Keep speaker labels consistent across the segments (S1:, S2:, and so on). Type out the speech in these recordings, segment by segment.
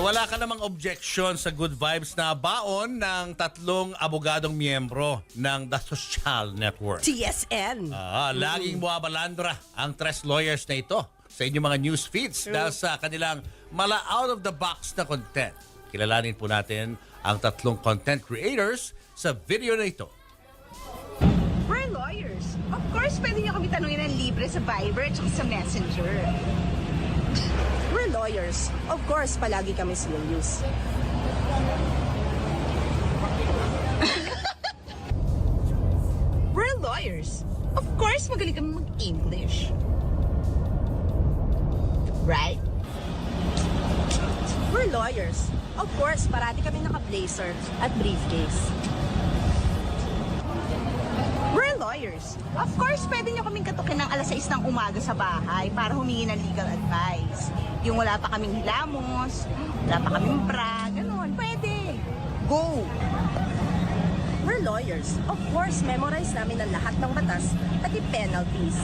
S1: wala ka namang objection sa good vibes na baon ng tatlong abogadong miyembro ng The Social Network.
S2: TSN.
S1: Laging buwabalandra ang tres lawyers na ito sa inyong mga news feeds dahil sa kanilang mala out-of-the-box na content. Kilalanin po natin ang tatlong content creators sa video na ito.
S3: We're lawyers. Of course, pwede niyo kami tanungin ng libre sa Viber at sa Messenger.
S2: We're lawyers. Of course, palagi kami serious.
S3: We're lawyers. Of course, magaling kami mag-English. Right?
S2: We're lawyers. Of course, parati kami naka-blazer at briefcase.
S3: We're lawyers. Of course, pwede niyo kaming katukin ng alas 6 ng umaga sa bahay para humingi ng legal advice. Yung wala pa kaming hilamos, wala pa kaming bra, ganun. Pwede. Go!
S2: We're lawyers. Of course, memorize namin ang lahat ng batas at yung penalties.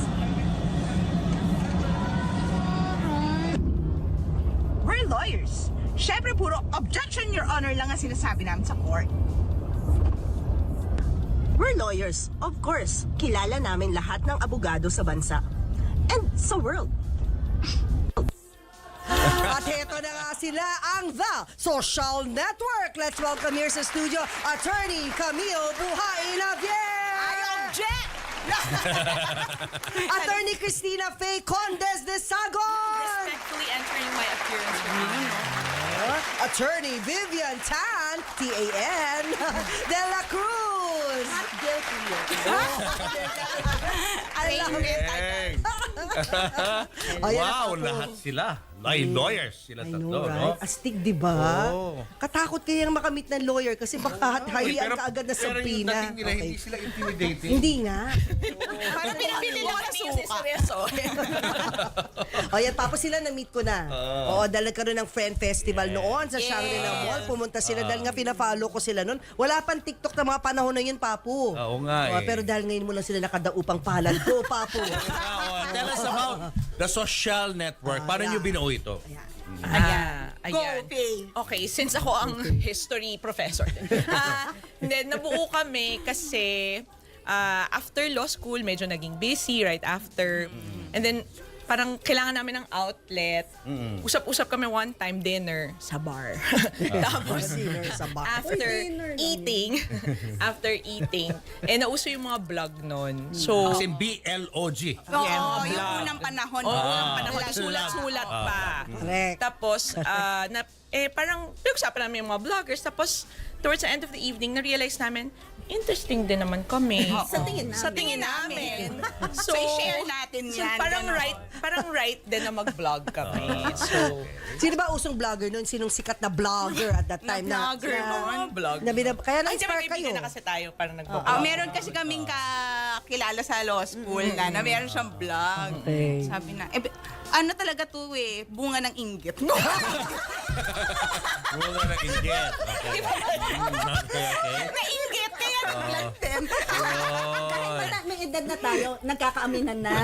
S3: We're lawyers. Syempre, puro objection, your honor lang ang sinasabi namin sa court.
S2: We're lawyers. Of course, kilala namin lahat ng abogado sa bansa. And sa world. At heto na nga sila ang The Social Network. Let's welcome here sa studio, Attorney Camille Buhain Javier.
S3: I object!
S2: Attorney Cristina Faye Condes de Sagon.
S4: Respectfully entering my appearance for me.
S2: Attorney Vivian Tan, T-A-N, de la Cruz.
S3: Not guilty yet.
S2: I love it. Ayan,
S1: Wow,
S2: ako.
S1: lahat sila. Ay, lawyers sila
S2: I
S1: tatlo,
S2: know,
S1: no?
S2: right? Astig, di ba?
S1: Oo.
S2: Katakot kayang makamit ng lawyer kasi baka harian ka agad na
S1: Pero yung
S2: sampina.
S1: dating nila, hindi sila intimidating.
S2: Hindi nga.
S3: Parang pinabili lang ng suka.
S2: O yan, tapos sila na-meet ko na. Oo, dahil nagkaroon ng friend festival noon sa Shangri-La Mall. Pumunta sila dahil nga pina-follow ko sila noon. Wala pang TikTok na mga panahon na yun, Papu.
S1: Oo nga
S2: Oo,
S1: eh.
S2: pero dahil ngayon mo lang sila nakadaupang palad ko, Papu.
S1: Tell us about The Social Network. Paano nyo binuo ito?
S4: Ayan.
S3: Go, Faye.
S4: Okay, since ako ang history professor. Then, nabuo kami kasi after law school, medyo naging busy right after. And then, parang kailangan namin ng outlet. Usap-usap kami one time, dinner sa bar. Tapos,
S2: Dinner sa bar.
S4: after eating, nauso yung mga vlog nun. So,
S1: As in BLOG.
S3: Oo,
S4: Yeah,
S3: yung
S4: vlog.
S3: unang panahon.
S4: unang panahon,
S1: Vlog.
S4: sulat-sulat pa.
S2: Correct.
S4: Tapos, parang pinag-usapan namin yung mga vloggers. Tapos, towards the end of the evening, na-realize namin, interesting din naman kami.
S3: Sa tingin namin.
S4: Sa tingin namin.
S3: So, i-share natin
S4: So,
S3: yan.
S4: parang
S3: ganon.
S4: right din na mag-vlog kami. So,
S2: Sino ba usong vlogger noon? Sinong sikat na vlogger at that time?
S3: vlogger noon.
S4: vlog.
S2: Kaya
S4: Ay,
S2: na-inspire kayo.
S4: na kasi tayo para nag-vlog.
S3: Meron kasi kaming kakilala sa law school na meron siyang vlog.
S2: Okay.
S3: Sabi na, ano talaga to eh, bunga ng inggit.
S1: Bunga ng inggit. Okay.
S3: Nainggit, kaya nag-vlog din.
S5: May edad na tayo, nagkakaaminan na.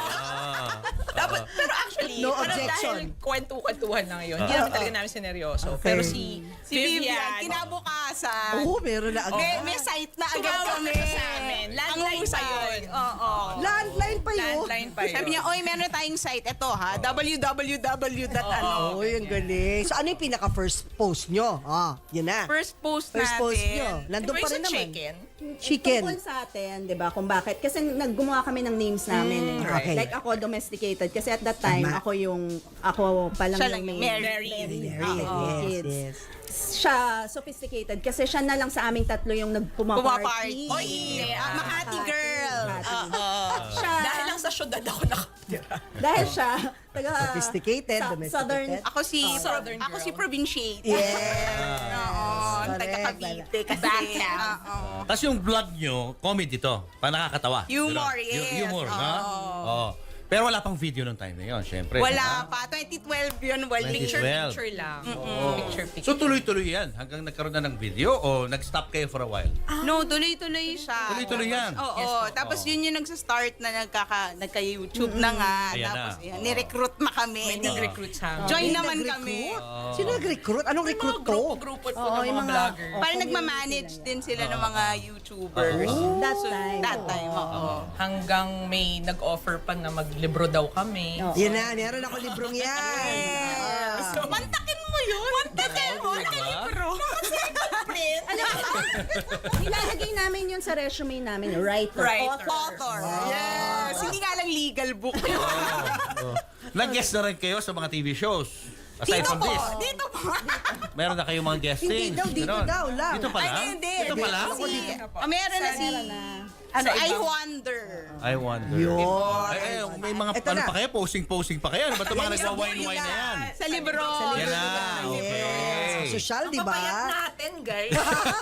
S4: Pero actually,
S2: No
S4: parang
S2: objection.
S4: dahil kwentuhan na ngayon, hindi namin talaga namin sineryoso. Pero si
S3: Vivian, kinabukasan.
S2: Oo, meron na agad.
S3: May site na agad
S4: tumawag
S3: kami.
S4: na sa amin. Landline pa yun.
S3: Oo.
S2: Landline pa yun.
S4: Landline pa yun.
S3: Sabi niya, oy, meron tayong site. Ito ha, www.ano.
S2: Oh, yung galing. So, ano yung pinaka-first post nyo? Yun na.
S3: First post
S2: First
S3: natin.
S2: post nyo. Nandun
S4: Diba
S2: pa
S4: yung
S2: rin
S4: sa
S2: naman.
S4: chicken?
S2: Chicken.
S5: Tungkol sa atin, di ba, kung bakit. Kasi naggumawa kami ng names namin. Eh.
S2: okay.
S5: Like ako, domesticated. Kasi at that time,
S2: Tama.
S5: ako pa lang
S3: Siya
S5: yung
S3: lang,
S5: may
S4: married.
S2: Very,
S5: kids.
S2: yes.
S5: Siya, sophisticated. Kasi siya na lang sa aming tatlo yung nagpumaparty.
S3: Pumaparty. Oy, Makati girl.
S5: Siya,
S4: Dahil lang sa syudad ako nakatira.
S5: dahil siya, taga,
S2: Sophisticated, domesticated.
S5: Southern,
S3: Ako si
S4: Southern
S3: ako
S4: girl.
S3: si provinciate.
S2: Yes.
S3: Oo,
S2: Correct.
S3: taga Cavite kasi. Oo.
S1: Tapos yung vlog nyo, comedy to. Pa nakakatawa.
S3: Humor,
S1: Diba?
S3: yes.
S1: Humor, ha? Oo. Pero wala pang video nung time na yun, syempre.
S3: Wala pa. 2012 yun, wali.
S1: 2012.
S4: Picture lang. Picture.
S1: So tuloy-tuloy yan hanggang nagkaroon na ng video o nag-stop kayo for a while?
S3: No, tuloy-tuloy siya.
S1: Tuloy-tuloy yan.
S3: Oo. Tapos yun yung nagsa-start na nagka-YouTube na nga.
S1: Ayan
S3: Tapos
S1: na.
S3: yan, ni-recruit na kami.
S4: May nag-recruit sa amin.
S3: Join
S2: May
S3: naman
S2: nag-recruit?
S3: kami.
S2: Sino nag-recruit? Anong recruit to?
S4: Grupo po
S5: Oo,
S4: ng
S5: yung
S4: mga
S5: mga-
S4: vlogger.
S5: Oo.
S3: Parang nagmamanage din sila ng mga YouTubers.
S5: That time.
S3: That time, oo.
S4: Hanggang may nag-offer pa na maglibro daw kami.
S5: Oo.
S2: Yan na, meron ako librong yan.
S3: Yes. Mantakin mo yun. Mantakin mo. Nakalibro.
S5: Alam mo, ilalagay namin yun sa resume namin. Writer.
S3: Author. Yes. Hindi nga lang legal book.
S1: Nag-guest na rin kayo sa mga TV shows. Aside
S3: Dito
S1: from
S3: po.
S1: this,
S3: Dito po.
S1: meron na kayong mga guesting.
S2: Hindi daw, dito
S1: Ganon.
S2: daw lang.
S1: Dito pa lang?
S3: Ay, hindi.
S1: Dito pa lang?
S3: Meron na si... Ano, I Wonder.
S1: I wonder.
S2: Yun.
S1: Ay, may mga
S2: Eto
S1: ano
S2: na.
S1: pa kayo? Posing-posing pa kayo? Ano ba ito mga
S2: Yan,
S1: nagwa-wine-wine na yan?
S3: Sa libro.
S1: Yan na, okay.
S2: Social, di ba?
S4: Papayat natin, guys.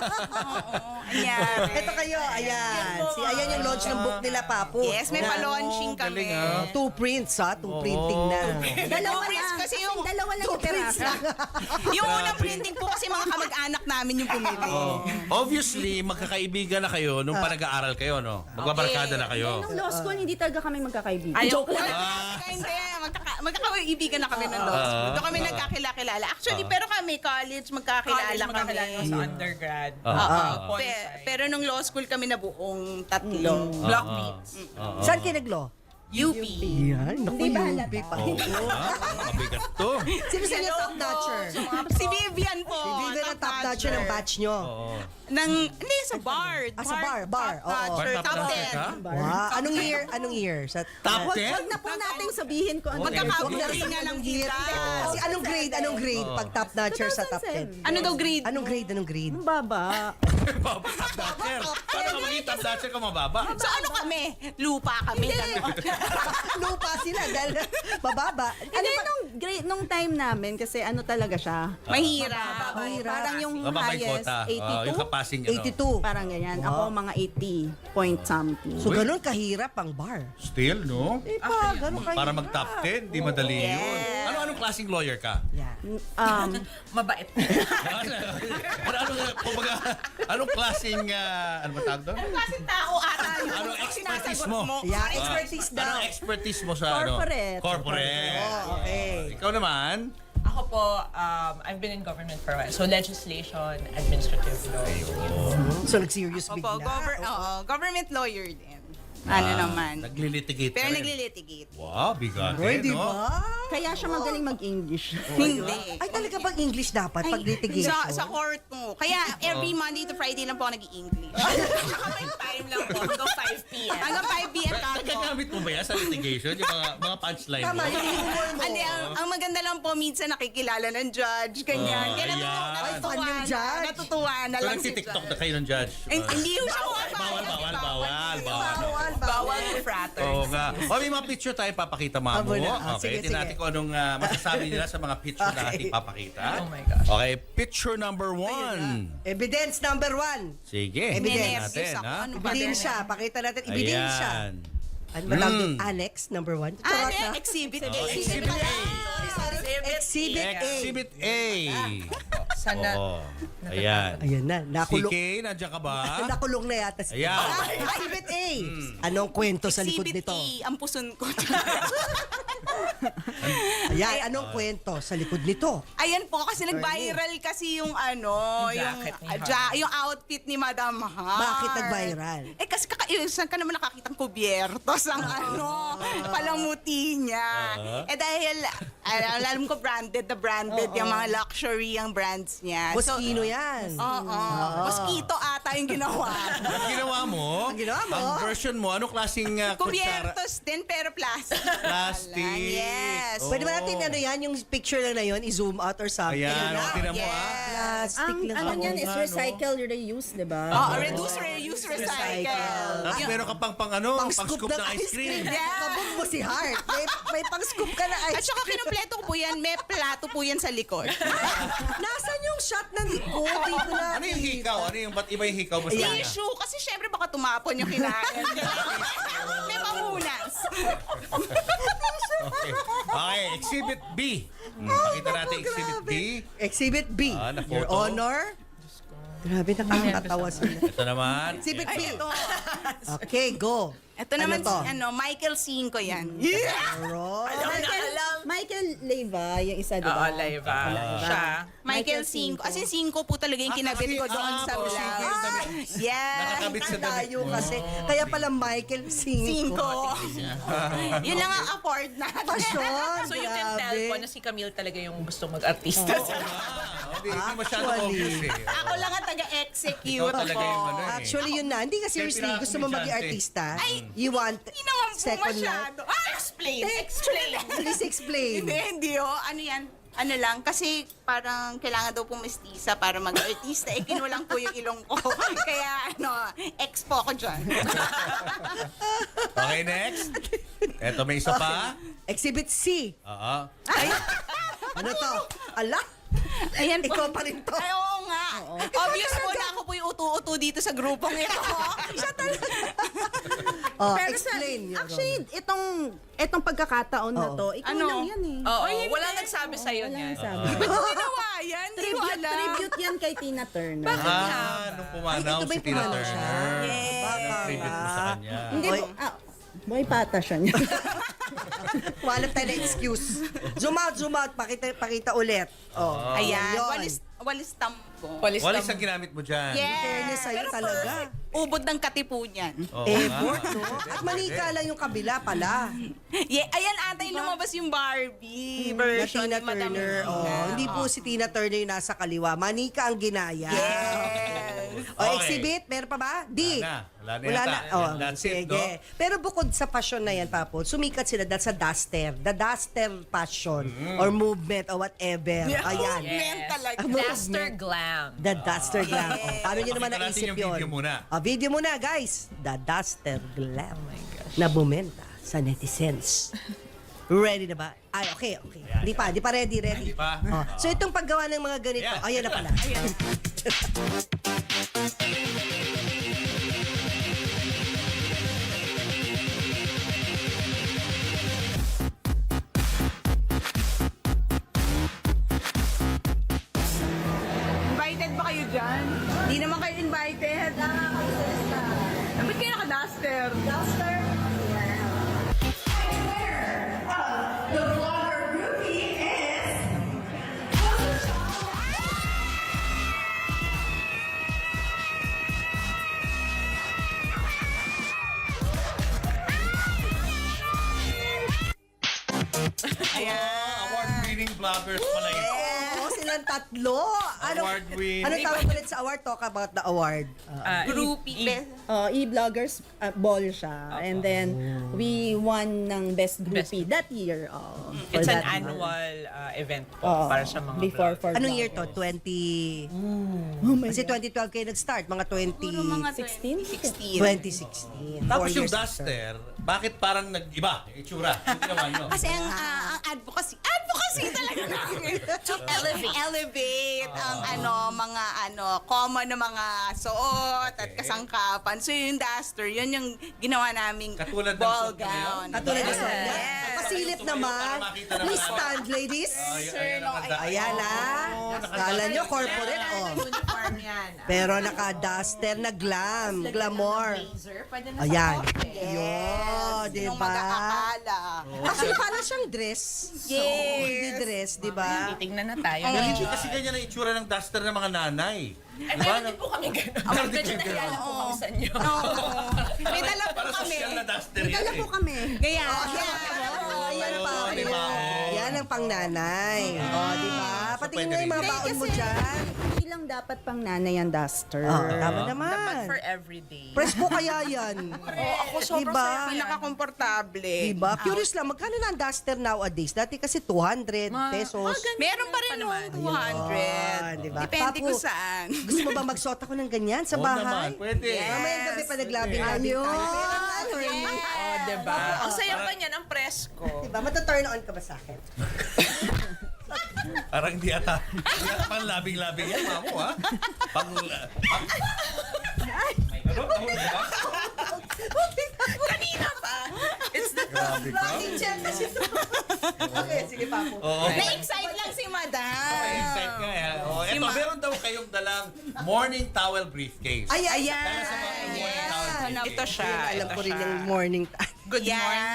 S3: Ayan.
S2: Ito kayo, ayan. Ayan yung launch ng book nila, Papu.
S3: Yes, may pa-launching
S1: galing,
S3: kami.
S1: ah.
S2: 2 prints, ha? 2 printing na.
S5: Dalawa
S3: Prints
S5: na.
S3: kasi yung-
S5: Dalawa lang yung
S2: Prints
S5: pirasa.
S2: na.
S3: Yung unang printing po kasi mga kamag-anak namin yung pumili.
S1: Obviously, magkakaibigan na kayo nung pa nag-aaral kayo, no? Magbabarkada na kayo.
S5: Nung law school, hindi talaga kami magkakaibigan.
S4: Ayaw
S5: Joke
S4: ko.
S5: lang.
S3: Hindi, magkakaibigan na kami ng law school. Doon kami nagkakilala. Actually, pero kami, college, magkakilala kami.
S4: Magkakilala sa undergrad.
S3: Pero nung law school kami na buong tatlo.
S4: Blockmates.
S2: Saan kayo naglo?
S3: UP.
S2: Yan, naku,
S5: Di ba
S2: yung
S5: halata?
S2: big pa.
S1: Mabigat to.
S2: Sino sa inyo top notcher?
S3: Si Vivian po.
S2: Si Vivian ang top notcher ng batch nyo.
S3: Hindi, sa bar.
S2: Ah, sa bar, oo.
S3: Top
S1: Bar top
S3: 10.
S1: notcher ka?
S2: Wow. Anong year? Anong year? Sa
S1: Top 10?
S5: Wag na po nating sabihin ko ano.
S3: Magkakabuli nga lang
S2: year?
S3: kita.
S2: Kasi anong grade? Anong grade pag top notcher sa top 10?
S5: 2007.
S3: Ano daw grade?
S2: Anong grade? Anong grade?
S5: Ang baba.
S1: Baba, top notcher. Paano ka maging top notcher kung mababa?
S3: So ano kami? Lupa kami.
S2: Lupa sila dahil bababa.
S5: Hindi, nung time namin, kasi ano talaga siya.
S3: Mahirap.
S5: Parang yung
S1: Mababa yung
S5: highest,
S1: quota.
S5: 82.
S1: Yung kapasing, ano.
S2: 82.
S5: Parang ganyan. Ako mga 80 point something.
S2: So ganun kahirap ang bar.
S1: Still, no?
S2: Eh pa, ganun kahirap.
S1: Para mag-top 10, di madali yun. Anong klaseng lawyer ka?
S2: Yeah.
S4: Mabait.
S1: Anong klaseng, ano ba tawag doon?
S3: Kasi tao ata yun.
S1: Anong expertise mo?
S2: Yeah, expertise daw.
S1: Anong expertise mo sa
S5: Corporate.
S1: Corporate.
S2: Oh, okay.
S1: Ikaw naman?
S4: Ako po, I've been in government for a while. So legislation, administrative law.
S2: So nag-serious
S3: Opo,
S2: bigla.
S3: government lawyer din. Ano naman.
S1: Naglilitigate ka
S3: Pero
S1: rin.
S3: naglilitigate.
S1: Wow, bigat
S2: Uy, di
S1: no?
S2: ba?
S5: Kaya siya magaling mag-English.
S3: Hindi.
S2: Ay, talaga bang English dapat pag litigation?
S3: Sa court mo. Kaya every Monday to Friday lang po ako nag-i-English.
S4: May time lang po, hanggang 5 p.m.
S3: Hanggang 5 p.m. ako.
S1: Nagagamit mo ba yan sa litigation? Yung mga punchline mo?
S2: Tama, yung humor mo.
S3: Hindi, ang maganda lang po, minsan nakikilala ng judge, ganyan. Kaya
S1: ayan.
S2: Ay, fan yung judge.
S3: natutuwa na
S1: So
S3: lang si
S1: nagtitiktok
S3: judge.
S1: na kayo ng judge?
S3: Hindi yung siya
S2: Bawal.
S4: Bawal yung frater.
S1: Oo nga. O may mga picture tayo papakita, Mamo.
S2: Abo na.
S1: Okay,
S2: Sige,
S1: tingnan natin
S2: sige.
S1: kung anong masasabi nila sa mga picture na
S2: Okay.
S1: ating papakita.
S4: Oh my gosh.
S1: Okay, picture number 1.
S2: Evidence number 1.
S1: Sige,
S2: Evidence.
S1: tingnan natin,
S3: Ako,
S1: ha?
S3: ano ba?
S2: Ebidensya. Pakita natin, ebidensya.
S1: Ayan.
S2: Ano ba tawag doon? Annex number 1?
S3: Exhibit.
S1: Exhibit A.
S2: Exhibit A.
S1: Exhibit A.
S4: Sana,
S1: Oo. Ayan.
S2: Ayan na,
S1: Si
S2: nakulong.
S1: Kay, nandiyan ka ba?
S2: Nakulong na yata si
S1: Ayan.
S2: Exhibit A. Anong kwento sa likod
S3: Exhibit
S2: nito?
S3: E, ang puson ko.
S2: Ayan, anong kwento sa likod nito?
S3: Ayan po, kasi nag-viral kasi yung ano,
S4: Yung
S3: yung,
S4: jacket ni Hart.
S3: yung outfit ni Madam Hart.
S2: Bakit nag-viral?
S3: Eh kasi saan ka naman nakakitang kubyertos ang ano, palamuti niya. Eh dahil, alam ko branded na branded yung mga luxury ang brands niya.
S2: Moschino yan.
S3: Oo. Mosquito ata yung ginawa.
S1: Ang ginawa mo?
S2: Ang ginawa mo?
S1: Ang version mo, anong klaseng kutsara?
S3: Kubyertos din pero plastic.
S1: Plastic.
S3: Yes.
S1: Oh.
S2: Pwede ba natin ano yan, yung picture lang na yun, i-zoom out or something?
S1: Ayan,
S2: Ano?
S1: okay na mo ah.
S2: Plastic
S5: Ang
S2: lang.
S5: ano
S2: ako.
S5: niyan is
S1: nga, no?
S5: recycle, reuse, di ba?
S3: Oh, reduce, reuse, recycle.
S1: Tapos meron ka pang ano, pang scoop ng ice cream.
S3: Yeah.
S2: Kabog mo si Hart. May pang-scoop ka na
S3: At
S2: ice
S3: saka kinumpleto ko po yan, may plato po yan sa likod.
S2: Nasaan yung shot ng likod? Dito na.
S1: Ano yung hikaw? Ano yung, ba't iba yung hikaw mo sa kanya?
S3: Tissue, kasi syempre baka tumapon yung kinain. May pamunas.
S1: Exhibit B. Pakita natin Exhibit B.
S2: Exhibit B.
S1: Na
S2: Your
S1: photo.
S2: Honor. Grabe, nakakatawa sila.
S1: Ito naman.
S2: Exhibit B.
S3: Ito.
S2: Okay, go.
S3: Ito naman
S2: to?
S3: si Michael Cinco yan.
S2: Alright.
S5: Michael Leyva, yung isa, di
S4: Oo,
S5: ba?
S4: live. Siya.
S3: Michael Cinco. As in, Cinco po talaga yung kinabit ko doon sa
S1: po,
S3: vlog.
S1: Cinco yung damit.
S3: Yes.
S1: Nakakabit sa damit
S2: Tayo
S1: mo.
S2: kasi. Kaya pala Michael Cinco.
S3: Yun lang ang afford natin.
S2: Pasyon.
S4: So you can tell
S2: grabe.
S4: po na si Camille talaga yung gusto mag-artista.
S1: Hindi masyado
S2: Actually.
S1: obvious eh.
S3: Ako lang ang taga-execute
S1: Ikaw talaga yung ano
S3: po.
S1: eh.
S2: Actually, yun na. Hindi ka seriously.
S1: Kaya
S2: Gusto mo maging
S1: pinaka-komedyante.
S2: artista?
S3: Ay,
S2: You want
S3: Hindi naman po
S2: second life?
S3: masyado. Explain. Explain.
S2: Please explain.
S3: Hindi oh. Ano yan? Ano lang, kasi parang kailangan daw pong mestiza para mag-artista. Eh, kinulang po yung ilong ko. Kaya, expo ko dyan.
S1: Okay, next. Eto, may isa pa.
S2: Exhibit C.
S1: Oo.
S2: Ay, ano to? Ala?
S3: Ayan po.
S2: Ikaw pa rin to.
S3: Ay, oo nga. Obvious po na ako po yung utu-utu dito sa grupong ito. Siya talaga.
S2: Oh,
S5: Pero
S2: explain. Your
S5: actually, itong pagkakataon na to, ikaw
S3: Ano?
S5: lang yan eh.
S4: Oo, wala nagsabi sa'yo
S5: Wala
S4: niyan.
S5: nang sabi.
S3: Ba't ko ginawa yan? Hindi ko alam.
S5: Tribute yan kay Tina Turner.
S1: Nung pumanaw
S2: Ay, ito ba
S1: si
S2: yung
S1: Tina
S2: pumanaw siya?
S1: Turner.
S3: Yes.
S2: Baka
S1: Tribute mo sa
S2: nga.
S1: kanya.
S5: Hindi
S2: Oy.
S5: po, boy pata siya niya.
S2: Walang tayo na excuse. Zoom out. Pakita ulit. Oh.
S3: Ayan.
S2: Yun.
S3: Walis tampo.
S4: Walis
S1: Walis
S4: tam-
S1: ang ginamit mo dyan.
S3: Yes.
S2: Fairness sa'yo
S3: Pero
S2: talaga.
S3: Ubod ng katipo niyan.
S1: Oo
S2: Effort,
S1: nga.
S2: no? At manika lang yung kabila pala.
S3: Yeah, ayan ata yung lumabas yung Barbie
S2: Na
S3: version
S2: Tina
S3: ni Madam
S2: Turner.
S3: Rina.
S2: Oh, hindi po si Tina Turner yung nasa kaliwa. Manika ang ginaya.
S3: Yes.
S2: O,
S1: Okay.
S2: exhibit, meron pa ba? D.
S1: Wala na yata.
S2: Oh,
S1: That's it,
S2: sige.
S1: no?
S2: Pero bukod sa passion na yan, Papo, sumikat sila dahil sa duster. The duster passion or movement or whatever. Ayan.
S3: Movement talaga.
S2: Ang
S4: Duster
S2: movement.
S4: glam.
S2: The duster glam. Oh, paano nyo naman
S1: Pakita natin
S2: naisip
S1: yung
S2: yun?
S1: video muna.
S2: Video muna, guys. The duster glam. Na bumenta sa netizens. Ready na ba? Ay, okay. Di pa ready.
S1: Hindi pa?
S2: Oh. So itong paggawa ng mga ganito,
S1: Ayan.
S2: ayan na pala.
S3: Invited ba kayo dyan? Hindi naman kayo invited. Ba't kayo naka-duster? Duster?
S1: Award-winning vloggers pala yun.
S2: Oo, silang tatlo.
S1: Award-winning.
S2: Ano tawag ulit sa award? Talk about the award.
S3: Groupie.
S5: E-bloggers ball siya. And then, we won ng Best Groupie that year. For
S4: It's an
S5: that month.
S4: annual event po
S5: Oo,
S4: para sa mga
S5: before
S4: vlog.
S5: for
S2: Anong year to?
S5: vloggers.
S2: 20...
S5: Oh my
S2: Kasi
S5: God.
S2: 2012 kayo nag-start. Mga 20...
S3: Puro mga
S5: 16?
S2: 2016.
S1: Tapos
S2: 4
S1: yung
S2: years after.
S1: duster, bakit parang nag-iba? Yung itsura. Yung ginawa nyo.
S3: Kasi ang advocacy talaga namin to elevate ang mga common na mga suot at
S1: Okay.
S3: kasangkapan. So yung duster, yun yung ginawa naming
S1: Katulad ng
S3: ball
S1: suot na yun?
S3: gown.
S2: Katulad ng
S3: Yes.
S2: suot niya.
S3: Yes.
S2: Pasilip
S1: Tumayo
S2: naman.
S1: para makita naman
S2: Please
S1: namin.
S2: stand, ladies.
S1: Ayan,
S2: Ayan Kala nyo, corporate, oh.
S3: Uniform yan.
S2: Pero naka-duster na glam. Glamour.
S3: Pwede na
S2: Ayan.
S3: sa office.
S2: Yun, di
S3: Sinong
S2: ba?
S3: mag-aakala?
S2: Actually, parang siyang dress.
S3: Yes.
S2: Hindi dress, di ba?
S4: Titingnan na tayo.
S1: Pero hindi kasi ganyan ang itsura ng duster ng mga nanay.
S4: Ay,
S1: Diba?
S4: meron din po kami gano'n.
S1: Meron din
S4: Medyo
S1: kayo
S4: nakilala
S1: gano'n.
S4: po kami sa inyo.
S3: May dala po
S1: Para
S3: kami.
S1: social na duster
S5: May dala
S1: yan
S5: po
S1: eh.
S5: kami.
S3: Kaya,
S2: Ayan pa.
S1: Di ba?
S2: Yan ang pangnanay. O, di ba? Patingin
S1: pwede
S2: nga yung mga
S1: rin.
S2: baon mo dyan.
S5: Hindi lang dapat pang nanay ang duster.
S2: Tama
S4: Dapat
S2: naman.
S4: for everyday.
S2: Press mo kaya yan.
S3: ako sobrang
S2: Diba?
S3: saya. Pinaka-komportable.
S2: Diba? Curious lang, magkano na ang duster nowadays? Dati kasi 200 pesos.
S3: Meron pa rin
S4: Pa
S3: nung
S4: naman.
S3: 200.
S2: Ayun, diba?
S3: Depende
S2: Papu,
S3: kung saan.
S2: Gusto mo ba magsuot ako ng ganyan sa
S1: Oo
S2: bahay?
S1: naman, pwede.
S2: Mamayang gabi pa naglabing-labing tayo.
S4: Oh, diba? Ang saya pa niyan, ang presko.
S2: Diba? Mata-turn on ka ba sa akin?
S1: Parang di ata pang labing-labing yan, mamo, ha? Ano?
S4: Kanina pa. It's the
S1: Grabe ka.
S2: Rocking chair kasi ito. Okay, sige Papo.
S1: Oo.
S3: Na-excite lang si Madam.
S1: Excited nga eh. Oh,
S3: Si
S1: eto,
S3: Ma-
S1: meron daw kayong dalang morning towel briefcase.
S2: Ayan.
S1: Tell us about the morning towel briefcase.
S4: Ito siya.
S2: Alam
S4: ito
S2: ko rin
S4: siya.
S2: yung morning time.
S4: Good morning.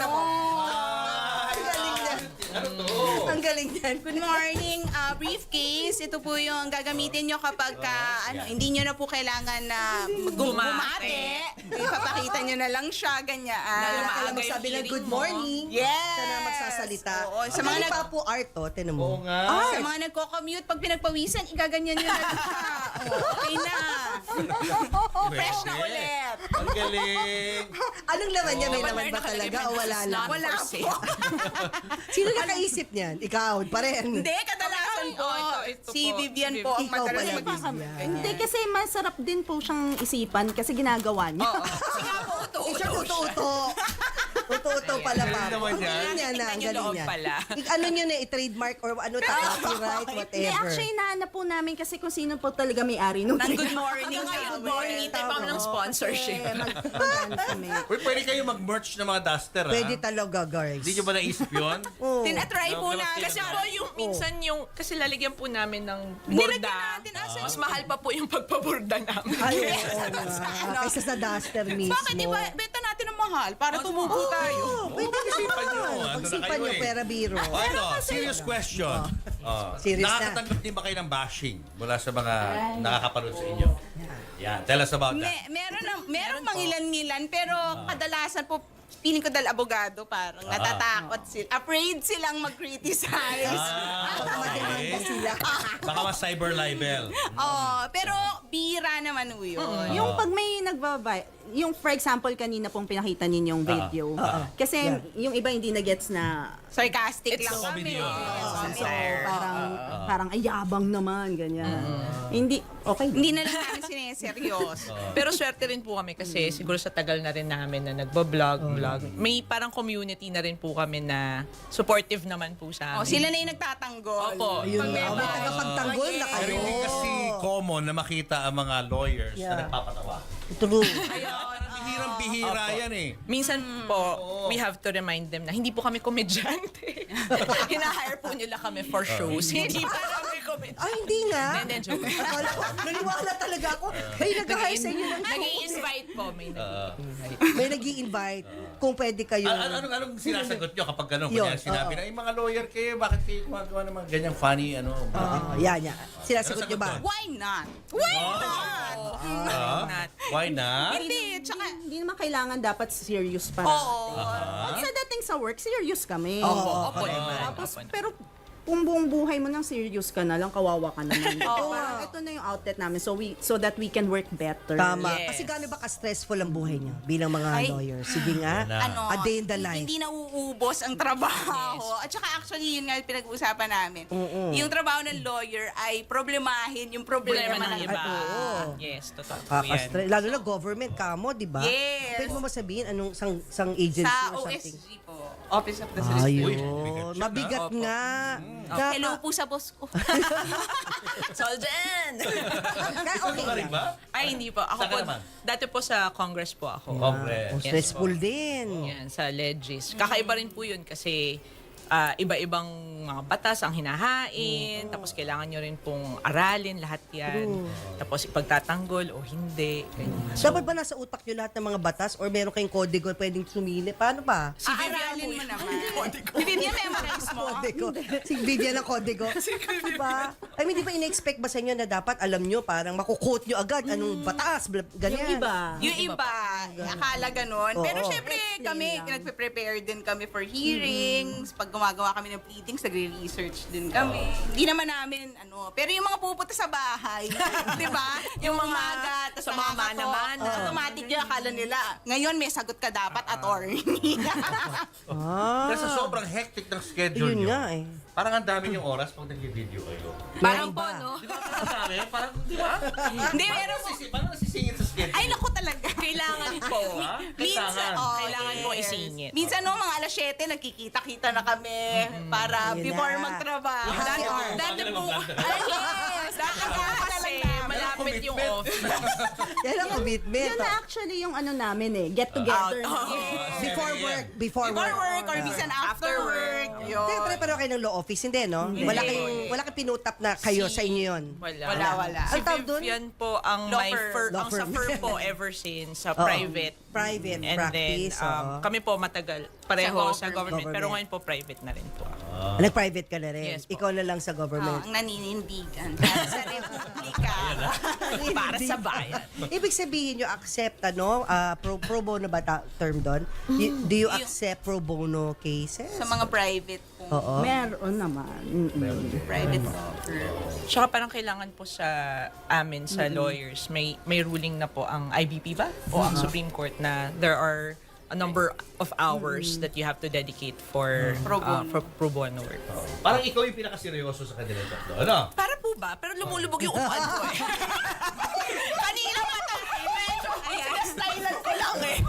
S2: Ang galing niyan.
S1: Ano to?
S2: Ang galing niyan.
S3: Good morning, briefcase. Ito po yung gagamitin nyo kapag hindi nyo na po kailangan na bumate. Ipapakita nyo na lang siya, ganyan.
S2: Kailangan
S4: maaga yung
S2: magsabi ng
S4: hearing
S2: good
S4: mo.
S2: morning.
S3: Yes.
S2: Siya na magsasalita.
S3: Oo, sa
S2: Sa
S3: mga
S2: mga Papo art to, tinan
S1: Oo
S2: mo.
S1: nga.
S3: Sa mga nagko-commute, pag pinagpawisan, igaganyan nyo na lang siya. Okay na. Fresh na ulit.
S1: Ang galing.
S2: Anong laman niya? May
S4: Dapat
S2: laman ba
S4: meron
S2: talaga
S4: nakalagay
S2: o wala
S4: na
S2: lang?
S4: not
S3: Wala
S4: for
S3: po.
S4: sale.
S2: Sino nakaisip niyan? Ikaw pa rin.
S3: Hindi, kadalasan po.
S4: ito
S3: Si
S4: po.
S3: Vivian
S4: Si
S3: po ang
S2: Ikaw
S3: madalas
S2: pala,
S3: mag-isip.
S2: Vivian.
S5: Hindi, kasi masarap din po siyang isipan kasi ginagawa niya.
S4: Kasi nga po,
S2: Eh, siya uto-uto. Uto-uto pala
S1: Galing
S2: pa.
S1: naman yan.
S2: Ang galing niya na, ang
S4: Tingnan yung
S2: galing
S4: loob
S2: niya.
S4: pala.
S2: Ano niyo na, i-trademark or ano, copyright,
S5: Hindi,
S2: whatever.
S5: actually, nahanap po namin kasi kung sino po talaga may-ari nung
S3: Ng good morning.
S4: Good morning. Tayo pa ng sponsorship.
S5: Mag-ano kami.
S1: Uy, pwede kayo mag-merch ng mga duster, ha?
S2: Pwede talaga, guys.
S1: Hindi nyo ba naisip yun?
S2: Oo.
S3: Tinatry po
S1: No,
S3: na.
S4: Kasi po yung minsan yung, kasi lalagyan po namin ng
S3: Nilagyan
S4: burda.
S3: natin,
S4: Mas mahal pa po yung pagpaburda namin.
S2: Ay, oo nga. Kaysa sa duster mismo.
S3: Bakit iba? Benta natin ng mahal para tumubo tayo.
S2: Pwede
S1: Pag-isipan nyo.
S2: naman.
S1: Ano na
S2: Pag-isipan
S1: kayo
S2: nyo,
S1: eh?
S2: pera biro.
S1: Oh, ito, serious question.
S2: Serious na.
S1: Nakakatanggap din ba kayo ng bashing mula sa mga nakakapanood sa inyo? Yan, tell us about that.
S3: Meron mangilan-ngilan, pero kadalasan po, feeling ko dahil abogado, parang natatakot sila. Afraid silang mag-criticize.
S2: Baka mademanda sila.
S1: Baka mas cyber libel.
S3: Pero bira naman po yun.
S5: Yung pag may yung for example kanina pong pinakita ninyong video. Kasi yung iba hindi na gets na
S3: Sarcastic
S4: It's
S3: lang
S1: comedy
S3: kami.
S1: yun.
S5: so, parang ayabang naman ganyan. Hindi okay.
S3: Hindi na lang namin sineseryoso.
S4: Pero swerte rin po kami kasi siguro sa tagal na rin namin na nagbablog, may parang community na rin po kami na supportive naman po sa amin.
S3: Sila na yung nagtatanggol.
S4: Opo.
S2: Ayun
S3: Pag may
S2: na. May
S3: bash.
S2: tagapagtanggol na
S1: Pero
S2: kayo.
S1: hindi kasi common na makita ang mga lawyers
S2: Yeah.
S1: na nagpapatawa.
S2: True.
S1: Bihirang-bihira yan eh.
S4: Minsan po, we have to remind them na hindi po kami komedyante. Hina-hire po nila kami for shows. Hindi pa kami komedyante.
S2: Ay, hindi nga.
S4: Hindi, joke.
S2: Akala ko, naniwala talaga ako. May nag-hire sa inyo ng show.
S4: Nag-i-invite po. May nag-i-invite.
S2: May nag-i-invite kung pwede kayo.
S1: Anong sinasagot nyo kapag gano'n?
S2: Yun,
S1: Kunyari sinabi na, mga lawyer kayo, bakit kayo gumagawa ng mga ganyang funny,
S2: Yan. Sinasagot nyo ba?
S3: Why not? Why not?
S4: Not.
S1: Why not?
S3: Hindi, tsaka
S5: Hindi naman kailangan dapat serious para. Pag sa dating sa work, serious kami.
S4: Opo naman.
S5: Tapos,
S4: Opo naman.
S5: pero kung buong buhay mo nang serious ka na lang, kawawa ka naman. Parang ito na yung outlet namin so that we can work better.
S2: Tama.
S4: Yes.
S2: Kasi gaano ba ka-stressful ang buhay niyo bilang mga
S3: Ay.
S2: lawyer? Sige nga.
S3: ano,
S2: A day in the life.
S3: hindi nauubos ang trabaho. At saka actually, yun nga yung pinag-uusapan namin. Yung trabaho ng lawyer ay problemahin yung problema
S4: Problema ng
S3: ng
S4: iba.
S2: Oo.
S4: Yes, totoo po yan.
S2: Kaka-stress. Lalo na government kamo, di ba?
S3: Yes.
S2: Pwede mo masabihin anong sang agency
S3: Sa
S2: or something?
S3: OSG po. Office of the Solicitor.
S2: Ayun. Mabigat nga.
S3: Hello po sa boss ko.
S4: Soljan!
S2: Okay
S1: Ano rin ba?
S4: Ay, hindi po. Ako
S1: Saan ka
S4: po,
S1: naman?
S4: dati po sa Congress po ako.
S1: Congress.
S2: Oh, stressful din.
S4: Yan, sa Legis. Kakaiba rin po yun kasi iba-ibang mga batas ang hinahain, tapos kailangan nyo rin pong aralin lahat yan. Tapos ipagtatanggol o hindi. Ganyan.
S2: Dapat ba nasa utak nyo lahat ng mga batas or meron kayong kodigo pwedeng sumili? Paano ba?
S3: Aaralin mo naman. Si Vivian memorize mo.
S2: Kodigo. Si Vivian ang kodigo. Diba? I mean, di ba ina-expect ba sa inyo na dapat alam nyo, parang makukote nyo agad anong batas, ganyan.
S5: Yung iba.
S3: Yung iba, akala ganon. Pero
S2: Oo.
S3: syempre,
S5: Explain
S3: kami,
S5: lang.
S3: nagpe-prepare din kami for hearings. Pag gumagawa kami ng pleadings, nagre-research din kami. Hindi naman namin, pero yung mga pupunta sa bahay, di ba? Yung mga magat,
S4: sa mga mana-mana.
S3: automatic yung akala nila. Ngayon, may sagot ka dapat, attorney.
S2: Ah,
S1: Kasi sobrang hectic ng schedule
S2: yun
S1: nyo.
S2: nga eh.
S1: Parang ang dami yung oras pag nag-video kayo.
S3: Parang
S2: Meron
S3: po,
S2: ba?
S3: no?
S1: Di ba parang sa amin? Parang, di ba?
S3: Hindi, meron po.
S1: Parang nasisingit sa schedule.
S3: Ay, naku talaga.
S4: Kailangan po.
S3: Minsan,
S4: Kailangan po isingit.
S3: Minsan mga alas 7, nagkikita-kita na kami para
S2: Yun
S3: before
S2: na.
S3: magtrabaho.
S2: Happy hour.
S3: Dati po,
S1: Bagal na
S3: ay, yes,
S4: Kasi
S3: nakakatalang namin.
S4: malapit commitment yung
S1: commitment.
S4: office.
S2: Yan ang commitment.
S5: Yun na actually yung ano namin get together.
S2: Before work. Before
S3: Before
S2: work.
S3: work or minsan after work. Yun.
S2: Kaya pare-pareho kayo ng law office, hindi, no? Wala kayong pinutap na kayo sa inyo yun.
S3: Wala.
S4: Si
S2: Ang tawag dun?
S4: Vivian po ang
S3: Law
S4: may
S3: firm.
S2: Law
S4: ang sa
S2: firm.
S4: firm po ever since sa
S2: Oo.
S4: private.
S2: Private
S4: And
S2: practice.
S4: then kami po matagal pareho sa government,
S2: Government.
S4: pero ngayon po private na rin po ako.
S2: Nag-private ka na rin.
S4: Yes po.
S2: Ikaw na lang sa government.
S3: Ang naninindigan para sa Republika.
S4: Para sa bayan.
S2: Ibig sabihin nyo, accept, pro bono ba term doon? Do you accept pro bono cases?
S3: Sa mga private po.
S2: Oo.
S5: Meron naman.
S3: Private firm.
S4: Tsaka parang kailangan po sa amin, sa lawyers, may ruling na po ang IBP ba? O ang Supreme Court na there are a number of hours that you have to dedicate for pro bono work.
S1: Parang ikaw yung pinakaseryoso sa kanilang tatlo. Ano?
S4: Para po ba? Pero lumulubog yung upuan ko eh. Kanina nga tayo, medyo stylan ko lang eh.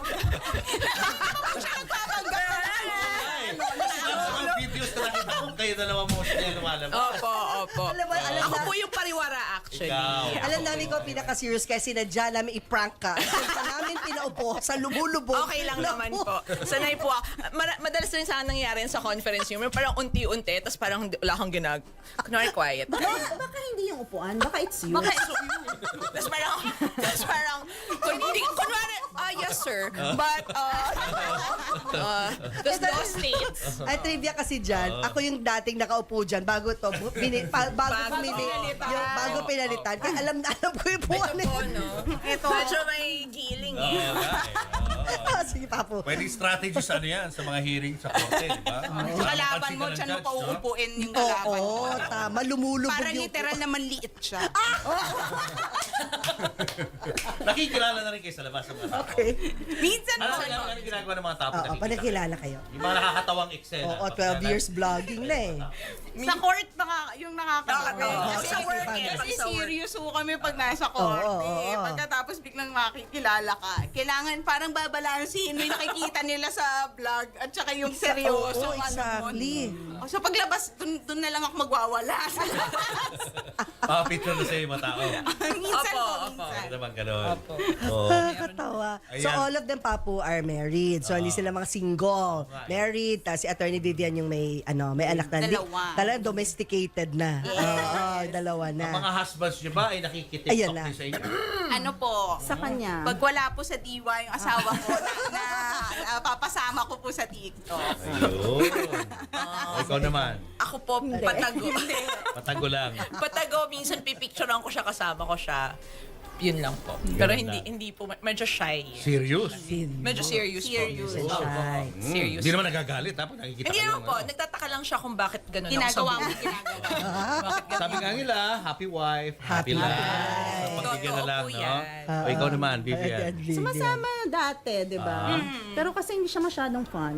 S1: Mga videos na nakita ko, kayo dalawa mo siya lumalabas.
S4: Opo.
S2: Alam mo,
S4: Ako po yung pariwara actually.
S1: Ikaw.
S2: Alam namin ko pinaka-serious kasi sinadya namin i-prank ka. Kasi namin pinaupo sa lumulubog.
S4: Okay lang naman po. Sanay po ako. Madalas rin sana nangyayari sa conference room. Parang unti-unti, tapos parang wala kang kunwari quiet.
S5: Baka hindi yung upuan, baka it's you.
S4: Tapos parang, kunwari, yes sir, but, tapos those states,
S2: Ay, trivia kasi dyan, ako yung dating nakaupo dyan bago to, bago pinalitan. Kaya alam ko yung puwan
S4: ito po, no? Medyo may giling eh.
S2: Sige, Papo.
S1: Pwedeng strategies ano yan sa mga hearing sa korte, di ba?
S3: Sa kalaban mo, dyan mo pa uupuin yung kalaban mo.
S2: Oo, tama. Lumulubog
S3: Para
S2: yung...
S3: literal na manliit siya.
S1: Nakikilala na rin kayo sa labas ng mga tao.
S2: Okay.
S3: Minsan
S1: Ano
S3: mo.
S1: ang ginagawa ng mga tao
S2: Oo,
S1: nakikita?
S2: panakilala kayo.
S1: Yung mga nakakatawang eksena.
S2: Oo, 12 years vlogging na eh.
S3: Sa court, yung nakakatawa.
S4: Oo,
S3: Kasi
S4: sa work
S3: kasi
S4: eh, pag sa work.
S3: serious ho kami pag nasa court.
S2: Oo.
S3: Pagkatapos biglang makikilala ka. Kailangan parang babalansin mo yung nakikita nila sa vlog at saka yung seryoso.
S2: Oo, exactly.
S3: So paglabas, dun na lang ako magwawala.
S1: Picture na sa'yo yung mga tao.
S3: Minsan
S4: Opo,
S3: po,
S4: opo.
S3: minsan.
S1: Ano naman ganun?
S4: Opo.
S1: Oo.
S2: Nakakatawa. So
S1: Ayan.
S2: all of them, Papo, are married. So hindi sila mga single. Married. Tapos si Attorney Vivian yung may anak na.
S3: Dalawa.
S2: Talagang domesticated na. Oo, dalawa na.
S1: Ang mga husbands nyo ba ay nakikitiktok
S2: Ayan na.
S1: din sa inyo?
S3: Ano po?
S5: Sa kanya.
S3: Pag wala po sa diwa yung asawa ko, papasama ko po sa TikTok.
S1: Ayun. Ikaw naman.
S4: Ako po, patago.
S1: Patago lang.
S4: Patago, minsan pipicturean ko siya, kasama ko siya. Yun lang po. Pero
S1: Ganun
S4: hindi po, medyo shy.
S1: Serious?
S4: Medyo serious po.
S2: Shy.
S4: Serious.
S1: Hindi naman nagagalit ha pag nakikita
S4: Hindi
S1: kayo,
S4: naman po,
S1: ano?
S4: nagtataka lang siya kung bakit gano'n ako sa
S3: Ginagawa mo,
S4: buhay.
S3: ginagawa.
S4: Bakit ganun?
S1: Sabi nga nila, happy wife, happy life. So, pagbigyan na
S4: Totoo
S1: lang,
S4: po
S1: no?
S4: yan.
S1: O, ikaw naman, Vivian.
S5: Sumasama dati, di ba? Pero kasi hindi siya masyadong fun.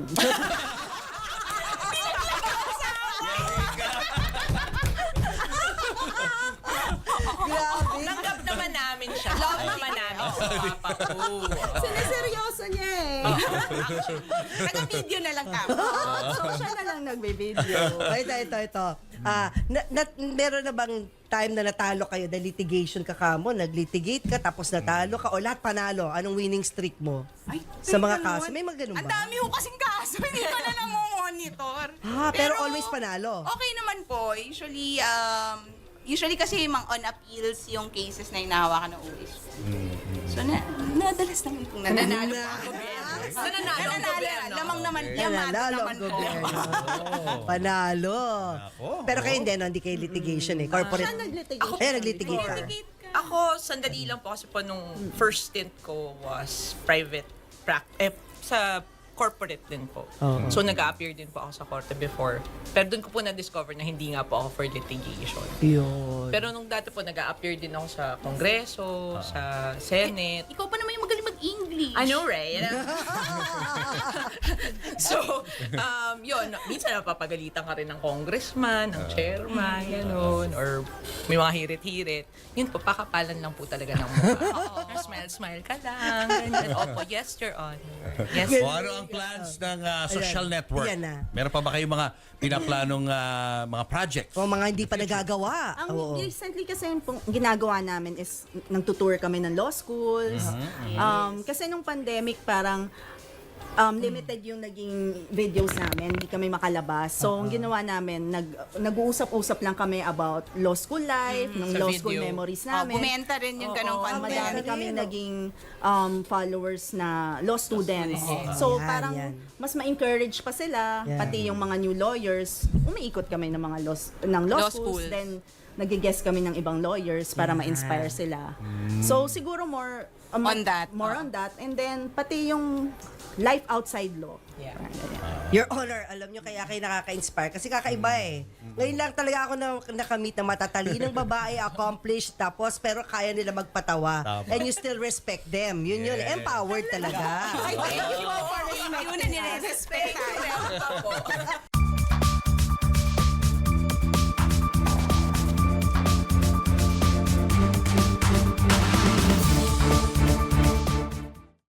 S2: Grabe.
S4: Tanggap naman namin siya. Love naman namin sa papa ko.
S5: Siniseryoso niya eh.
S3: Taga-video na lang kami.
S5: So siya na lang nagbe-video.
S2: Ito. Meron na bang time na natalo kayo dahil litigation ka kamo, naglitigate ka tapos natalo ka o lahat panalo? Anong winning streak mo?
S3: Ay,
S2: Sa mga
S3: ganun.
S2: kaso, may mga ganun
S3: Ang
S2: ba?
S3: dami ko kasing kaso, hindi ko na namomonitor.
S2: Pero always panalo.
S3: Okay naman po. Usually kasi mang on appeals yung cases na hinahawakan ng OSP. So, nadalas naman pong nananalo po ang gobyerno.
S4: Nananalo ang gobyerno.
S3: Lamang naman,
S2: Nanalo
S3: yamado
S2: ang
S3: naman po.
S2: gobyerno. Panalo.
S1: Ako.
S2: Pero kayo hindi, no? Hindi kayo litigation eh. Corporate.
S5: Siya naglitigate.
S2: Naglitigate ka.
S4: Ako, sandali lang po kasi po nung first stint ko was private sa corporate din po.
S2: Oo.
S4: So, nag-appear din po ako sa korte before. Pero doon ko po na-discover na hindi nga po ako for litigation.
S2: Yun.
S4: Pero nung dati po, nag-appear din ako sa Kongreso, sa Senate.
S3: Ikaw pa naman yung magaling mag English.
S4: I know, right? So, yun, minsan napapagalitan ka rin ng congressman, ng chairman, gano'n, or may mga hirit-hirit. Yun po, pakapalan lang po talaga ng mukha. Smile-smile ka lang, ganyan. Opo, yes, Your Honor. Yes,
S1: O ano ang plans ng social network?
S2: Yan na.
S1: Meron pa ba kayong mga pinaplanong mga projects?
S2: O mga hindi pa nagagawa.
S5: Ang
S2: Oo.
S5: recently kasi yung ginagawa namin is nagtutour kami ng law schools. Kasi nung pandemic parang limited yung naging videos namin, hindi kami makalabas. So, ang ginawa namin, nag-uusap-usap lang kami about law school life, ng
S4: Sa
S5: law school
S4: video.
S5: memories
S3: Oh,
S5: namin.
S3: bumenta rin yung ganong content.
S5: Madami kami naging followers na law students.
S2: students.
S5: So,
S2: Yan,
S5: parang
S2: yan.
S5: mas ma-encourage pa sila,
S2: Yan.
S5: pati yung mga new lawyers. Umiikot kami ng mga law schools.
S4: schools.
S5: Then, nag-guest kami ng ibang lawyers para ma-inspire sila. So, siguro more
S3: On that.
S5: More on that. And then, pati yung life outside law.
S4: Yeah.
S2: Your Honor, alam nyo kaya kayo nakaka-inspire kasi kakaiba eh. Ngayon lang talaga ako nakamit na matatalinong babae, accomplished, tapos pero kaya nila magpatawa.
S1: Tama.
S2: And you still respect them. Yun yun,
S1: Yes.
S2: empowered talaga.
S3: Thank you for respecting
S4: Yun na nire-respect tayo.